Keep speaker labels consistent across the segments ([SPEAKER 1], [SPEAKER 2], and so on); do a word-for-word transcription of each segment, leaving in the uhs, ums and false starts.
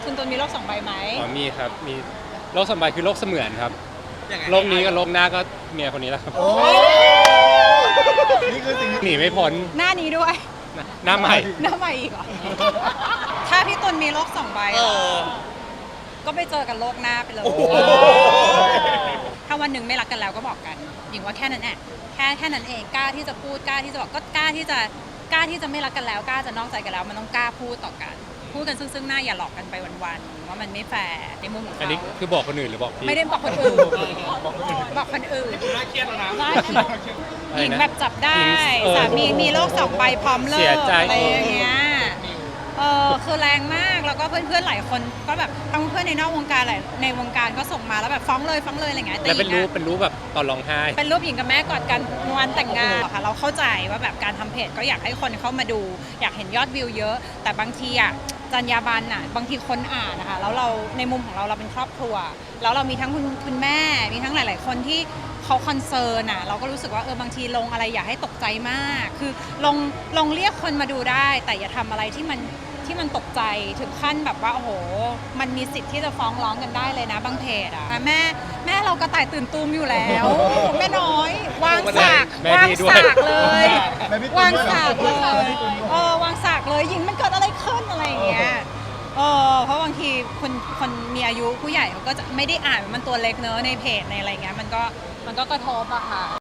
[SPEAKER 1] คุณตุลมีโลกสองใบไหม
[SPEAKER 2] อ๋อมีครับมีโลกสองใบคือโลกเสมือนครับโลกนี้กับโลกหน้าก็เมียคนนี้แหละครับ
[SPEAKER 3] โอ้นี่คือสิ่ง
[SPEAKER 2] หนีไม่พ้น
[SPEAKER 1] หน้านี้ด้วย
[SPEAKER 2] หน้าใหม่
[SPEAKER 1] หน้าใหม่อีกเหรอถ้าพี่ตุลมีโลกสองใบก็ไปเจอกันโลกหน้าไปเลยถ้าวันหนึ่งไม่รักกันแล้วก็บอกกันหญิงว่าแค่นั้นแหละแค่แค่นั้นเองกล้าที่จะพูดกล้าที่จะบอกก็กล้าที่จะกล้าที่จะไม่รักกันแล้วกล้าจะนอกใจกันแล้วมันต้องกล้าพูดต่อกันพูดกันซึ่งๆหน้าอย่าหลอกกันไปวันๆว่ามันไม่แฟร์ในมุมของเขา
[SPEAKER 2] อันนี้คือบอกคนอื่นหรือบอกพี่
[SPEAKER 1] ไม่ได้บอกคนอื่นบอกคนอื่น
[SPEAKER 3] น่าเครียดแล้วนะ
[SPEAKER 1] หญิงแบบจับได้สามีมีโลกสองใบพร้อมเลิกอะไรอย่างเงี้ยเออคือแรงมากแล้วก็เพื่อนๆหลายคนก็แบบทั้งเพื่อนในนอกวงการหลายในวงการก็ส่งมาแล้วแบบฟ้องเลยฟ้องเลยอะไรเงี้ย
[SPEAKER 2] แล้วเป็นรูปเป็นรูปแบบตอนร้องไห้
[SPEAKER 1] เป็นรูปหญิงกับแม่กอดกันวันแต่งงานค่ะเราเข้าใจว่าแบบการทำเพจก็อยากให้คนเข้ามาดูอยากเห็นยอดวิวเยอะแต่บางทีอ่ะจรรยาบรรณอ่ะบางทีคนอ่านนะคะแล้วเราในมุมของเราเราเป็นครอบครัวแล้วเรามีทั้งคุณคุณแม่มีทั้งหลาย ๆ คนที่เขาคอนเซิร์นอ่ะเราก็รู้สึกว่าเออบางทีลงอะไรอย่าให้ตกใจมากคือลงลงเรียกคนมาดูได้แต่อย่าทำอะไรที่มันที่มันตกใจถึงขั้นแบบว่าโอ้โหมันมีสิทธิ์ที่จะฟ้องร้องกันได้เลยนะบางเพจอ่ะแม่แม่เราก็ต่ายตื่นตูมอยู่แล้วแม่น้อยวางสากวางสากเลยวางสากเลยเออวางสากเลยยิงมันเกิดอะไรขึ้นอะไรอย่างเงี้ยเออเพราะบางทีคนคนมีอายุผู้ใหญ่เขาก็จะไม่ได้อ่านมันตัวเล็กเนอะในเพจในอะไรเงี้ยมันก็มันก็กระทบอะค่ะ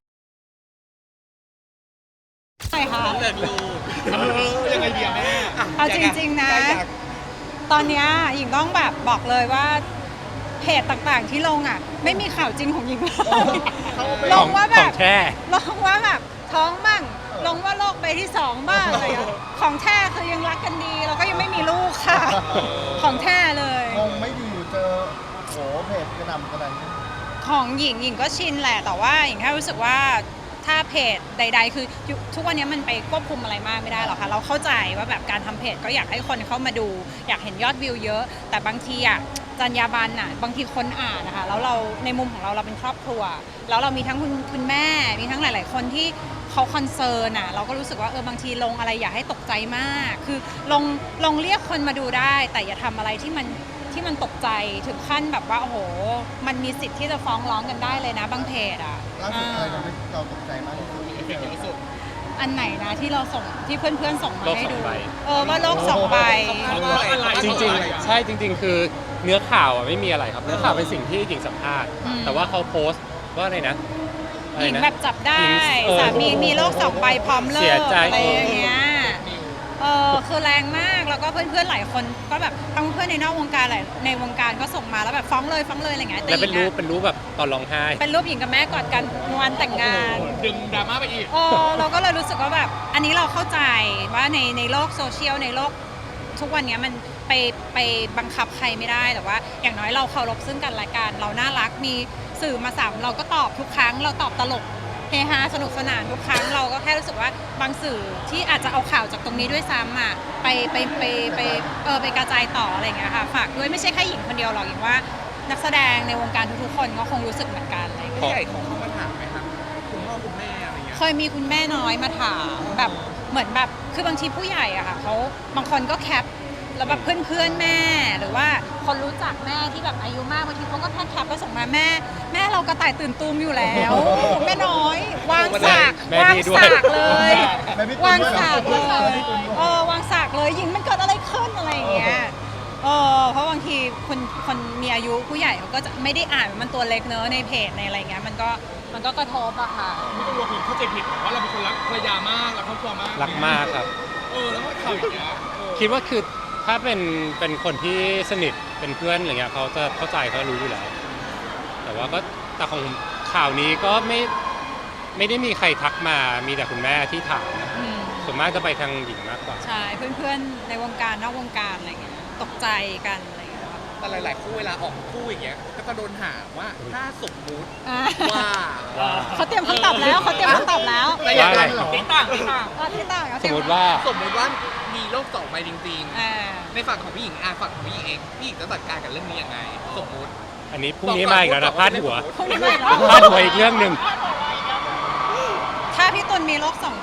[SPEAKER 1] ใช่ค่ะ
[SPEAKER 3] เลิกลูกยังไงดีแม่
[SPEAKER 1] เอาจริงๆนะตอนนี้หญิงต้องแบบบอกเลยว่าเพจต่างๆที่ลงอ่ะไม่มีข่าวจริงของหญิงเลยลงว่าแบบลงว่าแบบท้องบ้างลงว่าโรคใบที่สองบ้างอะไรของแท้คือยังรักกันดีแล้วก็ยังไม่มีลูกค่ะของแท้เลย
[SPEAKER 3] คงไม่ดีเจอโหเพจกระหน่ำขนาดนี้
[SPEAKER 1] ของหญิงหญิงก็ชินแหละแต่ว่าหญิงแค่รู้สึกว่าถ้าเพจใดๆคือทุกวันนี้มันไปควบคุมอะไรมากไม่ได้หรอกค่ะเราเข้าใจว่าแบบการทำเพจก็อยากให้คนเข้ามาดูอยากเห็นยอดวิวเยอะแต่บางทีอ่ะจรรยาบรรณอ่ะบางทีคนอ่านนะคะแล้วเราในมุมของเราเราเป็นครอบครัวแล้วเรามีทั้งคุณคุณแม่มีทั้งหลายๆคนที่เขาคอนเซิร์นอ่ะเราก็รู้สึกว่าเออบางทีลงอะไรอย่าให้ตกใจมากคือลงลงเรียกคนมาดูได้แต่อย่าทำอะไรที่มันที่มันตกใจถึงขั้นแบบว่าโอ้โหมันมีสิทธิ์ที่จะฟ้องร้องกันได้เลยนะบางเพจอ่ะ
[SPEAKER 3] ล่าสุดอะไรทำให้เราตกใจมากที่สุด
[SPEAKER 1] อันไหนนะที่เราส่งที่เพื่อนๆส่งมาให้ดูเออว่าโลกสองใบ
[SPEAKER 2] จริงๆใช่จริงๆคือเนื้อข่าวอ่ะไม่มีอะไรครับเนื้อข่าวเป็นสิ่งที่หญิงสัมภาษณ์แต่ว่าเขาโพสต์ว่าอะไรนะ
[SPEAKER 1] หญิงแบบจับได้สามีมีโลกสองใบพร้อมเลิกอะไรอย่างเงี้ยเออคือแรงมากแล้วก็เพื่อนๆหลายคนก็แบบทั้งเพื่อนในนอกวงการหลายในวงการก็ส่งมาแล้วแบบฟ้องเลยฟ้องเลยอะไรเงี้ย
[SPEAKER 2] แล้วเป็นรูปเป็นรูปแบบตอนร้องไห้
[SPEAKER 1] เป็นรูปหญิงกับแม่กอดกันวันแต่งงาน
[SPEAKER 3] ดึงดราม่าไปอีก
[SPEAKER 1] เออเราก็เลยรู้สึกว่าแบบอันนี้เราเข้าใจว่าในในโลกโซเชียลในโลกทุกวันนี้มันไปไปบังคับใครไม่ได้แต่ว่าอย่างน้อยเราเคารพซึ่งกันและกันเราน่ารักมีสื่อมาสามเราก็ตอบทุกครั้งเราตอบตลกเฮฮาสนุกสนานทุกครั้งเราก็แค่รู้สึกว่าบางสื่อที่อาจจะเอาข่าวจากตรงนี้ด้วยซ้ำอ่ะไปไปไปไปเออไปกระจายต่ออะไรอย่างเงี้ยค่ะฝากด้วยไม่ใช่แค่หญิงคนเดียวหรอกอย่างว่านักแสดงในวงการทุกๆคนก็คงรู้สึกเหมือนกันอะไรอย่างเงี้ย
[SPEAKER 3] ผู้ใหญ่ของเขามาถามไหมครับคุณพ่อคุณแม่อะไรเงี้ย
[SPEAKER 1] เคยมีคุณแม่น้อยมาถามแบบเหมือนแบบคือบางทีผู้ใหญ่อะค่ะเขาบางคนก็แคปแล้วแบบเพื่อนๆแม่หรือว่าคนรู้จักแม่ที่แบบอายุมากบางทีเขาก็แค่แคปแล้วส่งมาแม่แม่เราก็ต่ายตื่นตูมอยู่แล้วแม่น้อยวางสากวางสากเลยวางสากเลยเออวางสากเลยยิงมันเกิดอะไรขึ้นอะไรอย่างเงี้ยเออเพราะบางทีคนคนมีอายุผู้ใหญ่เขาก็จะไม่ได้อ่านมันตัวเล็กเนอะในเพจในอะไรเงี้ยมันก็มันก็กระทบอะค่ะ
[SPEAKER 3] ไม่ต้องกลัวคนเข้าใจผิดว่าเราเป็นคนรักภรรยามากรักครอบครัวมาก
[SPEAKER 2] รักมากครับ
[SPEAKER 3] เออแล้วก็ข่าวอย่างเงี้ย
[SPEAKER 2] คิดว่าคือถ้าเป็นเป็นคนที่สนิทเป็นเพื่อนอะไรเงี้ยเขาจะเข้าใจเขารู้อยู่แล้วแต่ว่าก็แต่ของข่าวนี้ก็ไม่ไม่ได้มีใครทักมามีแต่คุณแม่ที่ถามส่วนมากจะไปทางหญิงมากกว่า
[SPEAKER 1] ใช่เพื่อนๆในวงการนอกวงการอะไรเงี้ยตกใจกันอะไรเงี้ย
[SPEAKER 3] แต่หลายๆคู่เวลาออกคู่อย่างเงี้ยก็จะโดนถามว่าถ้าสมมุติว่า
[SPEAKER 1] เขาเตรียมคำตอบแล้วเขาเตรียมคำตอบแล้ว
[SPEAKER 3] ว่าอะไรที่ต่างที่ต่าง
[SPEAKER 1] ที่ต่าง
[SPEAKER 2] สมมติว่า
[SPEAKER 3] สมมติว่ามีโลกสองใบจริงๆในฝั่งของพี่หญิงอาฝั่งของพี่หญิงเองพี่หญิงจะจัดการกับเรื่องนี้ยังไงสมมติ
[SPEAKER 2] อันนี้พรุ่งนี้มาอีกแล้วนะพาดหัว
[SPEAKER 1] พรุ่งนี้มาแล้ว
[SPEAKER 2] พาดหัวอีกเรื่องหนึ่ง
[SPEAKER 1] ถ้าพี่ตุลมีโลกสองใบ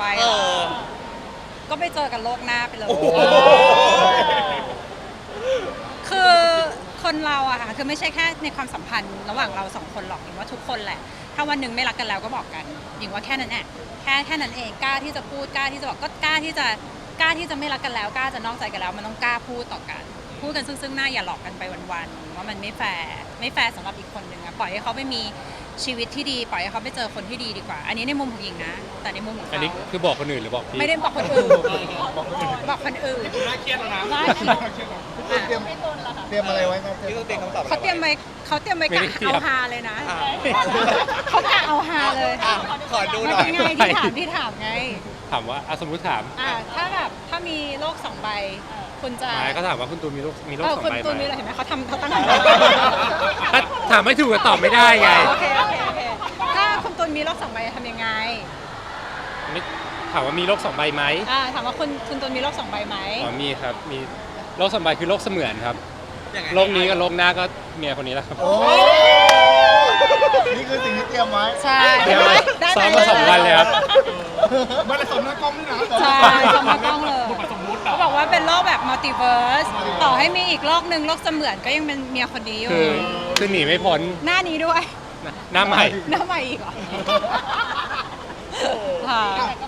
[SPEAKER 1] ก็ไปเจอกันโลกหน้าไปเลยคือคนเราอะค่ะคือไม่ใช่แค่ในความสัมพันธ์ระหว่างเราสองคนหรอกหญิงว่าทุกคนแหละถ้าวันหนึ่งไม่รักกันแล้วก็บอกกันหญิงว่าแค่นั้นแหละแค่แค่นั้นเองกล้าที่จะพูดกล้าที่จะบอกก็กล้าที่จะกล้าที่จะไม่รักกันแล้วกล้าจะนอกใจกันแล้วมันต้องกล้าพูดต่อกันพูดกันซึ่งซึ่งหน้าอย่าหลอกกันไปวันๆว่ามันไม่แฟร์ไม่แฟร์สำหรับอีกคนหนึ่งอะปล่อยให้เขาไปมีชีวิตที่ดีปล่อยให้เขาไปเจอคนที่ดีดีกว่า อันนี้ในมุมของหญิงนะแต่ในมุมของ
[SPEAKER 2] อัน
[SPEAKER 1] เขา
[SPEAKER 2] นี้คือบอกคนอื่นหรือบอกพี่
[SPEAKER 1] ไม่ได้บอกคนอื่นบอกคนอื่น
[SPEAKER 3] น่าเครียดแล้วนะ
[SPEAKER 1] ได้
[SPEAKER 4] เตรียมเตรียมอะไรไว้ครับ
[SPEAKER 3] พี่ต้องเตรียมคำตอบ
[SPEAKER 1] เขาเตรียมไว้เขาเตรียมไว้กะเอาฮาเลยนะ
[SPEAKER 3] อ่ะ
[SPEAKER 1] เขากะเอาฮาเลย
[SPEAKER 3] อ่ะขอดู
[SPEAKER 1] มัน
[SPEAKER 3] หน่อ
[SPEAKER 1] เป็
[SPEAKER 3] ย
[SPEAKER 1] นไงที่ถามที่ถามไง
[SPEAKER 2] ถามว่าอ่ะสมมติถาม
[SPEAKER 1] อ่าถ้าแบบถ้ามีโลกสองใบคุณจะ
[SPEAKER 2] หมายเขาถามว่าคุณตูนมีโรคมีโรค
[SPEAKER 1] เออ
[SPEAKER 2] สอง
[SPEAKER 1] คุณ
[SPEAKER 2] ใบ
[SPEAKER 1] ตูน
[SPEAKER 2] ไหม
[SPEAKER 1] มีอะไรเห็นไหมเขาทำเขาตั้ง
[SPEAKER 2] ถ้าถามไม่ถูกก็ตอบไม่ได้ไง
[SPEAKER 1] โอเคโอเคโอเคถ้าคุณตูนมีโลกสองใบทำยังไง
[SPEAKER 2] ไม่ถามว่ามีโรคสองใบไหม
[SPEAKER 1] อ่าถามว่าคุณคุณตูนมีโลกสองใบไหม
[SPEAKER 2] อ๋อมีครับ มีโรคสองใบคือโรคเสมือนครับ
[SPEAKER 3] ยังไง
[SPEAKER 2] โรคนี้กับโรคหน้าก็เมียคนนี้แหละครับ
[SPEAKER 4] โอ้นี่คือสิ่งที่เตรียมไว้
[SPEAKER 1] ใช่
[SPEAKER 2] เดี๋ยว
[SPEAKER 1] ได้ไห
[SPEAKER 2] ซ้อมมาสองวันเลยครับ
[SPEAKER 3] มันจะสมหน้ากล้องนี่นะ
[SPEAKER 1] ใช่สมมติต้องเลยเขาบอกว่าเป็นโลกแบบมัลติเวิร์สต่อให้มีอีกโลกหนึ่งโลกเสมือนก็ยังเป็นเมียคนนี้อยู่
[SPEAKER 2] คือคือหนีไม่พ้น
[SPEAKER 1] หน้านี้ด้วย
[SPEAKER 2] หน้าใหม่
[SPEAKER 1] หน้าใหม่อีกเหรอค่ะ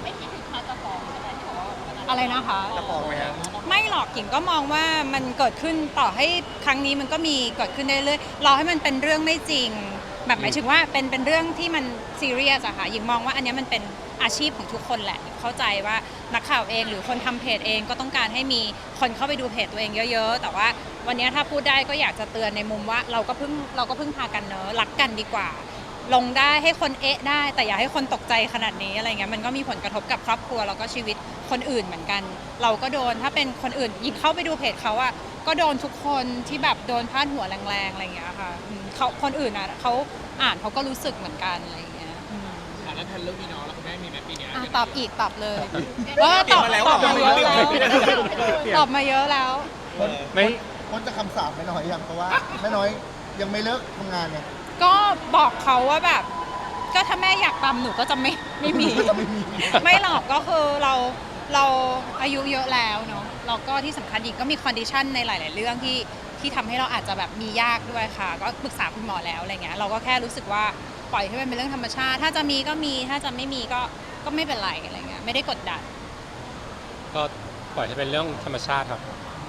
[SPEAKER 1] อะไรนะคะ
[SPEAKER 3] จะบอกไหมครับ
[SPEAKER 1] ไม่หรอกหญิงก็มองว่ามันเกิดขึ้นต่อให้ครั้งนี้มันก็มีเกิดขึ้นได้เรื่อยๆรอให้มันเป็นเรื่องไม่จริง แบบหมายถึงว่าเป็นเป็นเรื่องที่มันซีเรียสอะค่ะหญิงมองว่าอันเนี้ยมันเป็นอาชีพของทุกคนแหละเข้าใจว่านักข่าวเองหรือคนทำเพจเองก็ต้องการให้มีคนเข้าไปดูเพจตัวเองเยอะๆแต่ว่าวันเนี้ยถ้าพูดได้ก็อยากจะเตือนในมุมว่าเราก็เพิ่งเราก็เพิ่งพากันเนอะรักกันดีกว่า ลงได้ให้คนเอ๊ะได้แต่อย่าให้คนตกใจขนาดนี้อะไรเงี้ยมันก็มีผลกระทบกับครอบครัวแล้วก็ชีวิตคนอื่นเหมือนกัน เราก็โดนถ้าเป็นคนอื่นยิงเข้าไปดูเพจเขาอะก็โดนทุกคนที่แบบโดนพาดหัวแรงๆอะไรเงี้ยค่ะอืมเขาคนอื่นอะเขาอ่านเขาก็รู้สึกเหมือนกันอะไรเงี้ยอืม
[SPEAKER 3] อ่ะแล้วแทนเรื่องมีน้องแล้วคุณแม่มีไหมปีเนี้ย
[SPEAKER 1] อ่ะตอบอีกตอบเลยว่าตอบ
[SPEAKER 3] เตรียมมาแล้ว
[SPEAKER 1] ตอบมาเยอะ
[SPEAKER 3] เตรียม
[SPEAKER 1] แล้ว
[SPEAKER 3] มาแล้ว
[SPEAKER 1] ตอบมาเยอะแล้ว
[SPEAKER 2] ไม่
[SPEAKER 4] พ้นจะคำสาปไม่น้อยยังเพราะว่าแม่น้อยยังไม่เลิกทำงานไง
[SPEAKER 1] ก็บอกเขาว่าแบบ ก็ถ้าแม่อยากตำหนูก็จะไม่ไม่มี ไม่หรอกก็คือเราเราอายุเยอะแล้วเนาะแล้วก็ที่สำคัญอีกก็มีคอนดิชันในหลาย ๆ เรื่องที่ที่ทำให้เราอาจจะแบบมียากด้วยค่ะ ก็ปรึกษาคุณหมอแล้วอะไรเงี้ยเราก็แค่รู้สึกว่าปล่อยให้มันเป็นเรื่องธรรมชาติ ถ้าจะมีก็มีถ้าจะไม่มีก็ก็ไม่เป็นไรอะไรเงี้ยไม่ได้กดดัน
[SPEAKER 2] ก็ปล่อยให้เป็นเรื่องธรรมชาติครับ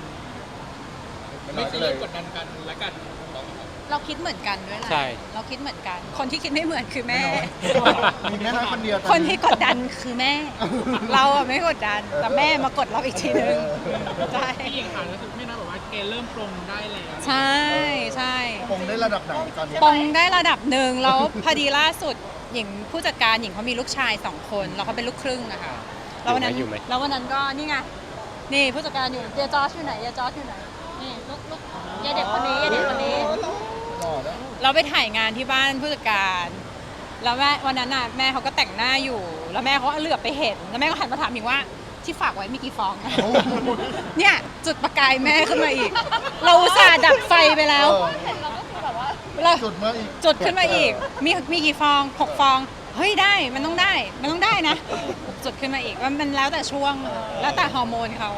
[SPEAKER 3] ไม่ใช่เรื่องกดดันกันและกัน
[SPEAKER 1] เราคิดเหมือนกันด้วยแหละ
[SPEAKER 2] ใช่
[SPEAKER 1] เราคิดเหมือนกัน คนที่คิดไม่เหมือนคือแม่
[SPEAKER 4] มีแม่น้อยคนเดียวตอ
[SPEAKER 1] คนที่กดดันคือแม่ เราอะไม่กดดันแต่แม่มากดเราอีกทีนึงใช่
[SPEAKER 3] พี่หญิงค่ะรู้สึกไม่น่าบอกว่าเกณฑ์เริ่มปรงได้แล้ว
[SPEAKER 1] ใช่ใช่
[SPEAKER 4] คงได้ระดับไหนตอนนี้
[SPEAKER 1] ปองได้ระดับหนึ่งแล้วพอดีล่าสุดหญิงผู้จัดการหญิงเขามีลูกชายสองคนแล้วเขาเป็นลูกครึ่งอะค่ะแล้ววันนั้น
[SPEAKER 2] อยู่ไหม
[SPEAKER 1] แล้ววันนั้นก็นี่ไงนี่ผู้จัดการอยู่เยจอร์จอยู่ไหนเยจอร์จอยู่ไหนนี่ลูกลูกยายเด็กคนนี้ยายเด็กคนนี้
[SPEAKER 4] หล่อแล้ว
[SPEAKER 1] เราไปถ่ายงานที่บ้านผู้จัดการ แล้วแม่วันนั้นน่ะแม่เขาก็แต่งหน้าอยู่ แล้วแม่เขาเหลือบไปเห็น แล้วแม่ก็หันมาถามหญิงว่าที่ฝากไว้มีกี่ฟอง เนี่ยจุดประกายแม่ขึ้นมาอีก เราอุตส่าห์ดับไฟไปแล้ว
[SPEAKER 4] เออ
[SPEAKER 1] เรา
[SPEAKER 4] จุดมาอีก
[SPEAKER 1] จุดขึ้นมาอีก มีมีกี่ฟองหกฟอง เฮ้ยได้มันต้องได้มันต้องได้นะ จุดขึ้นมาอีกว่ามันแล้วแต่ช่วงแล้วแต่ฮอร์โมนเขา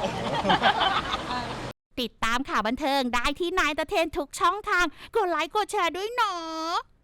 [SPEAKER 5] ติดตามข่าวบันเทิงได้ที่นายตะเทนทุกช่องทาง กดไลค์กดแชร์ด้วยเนาะ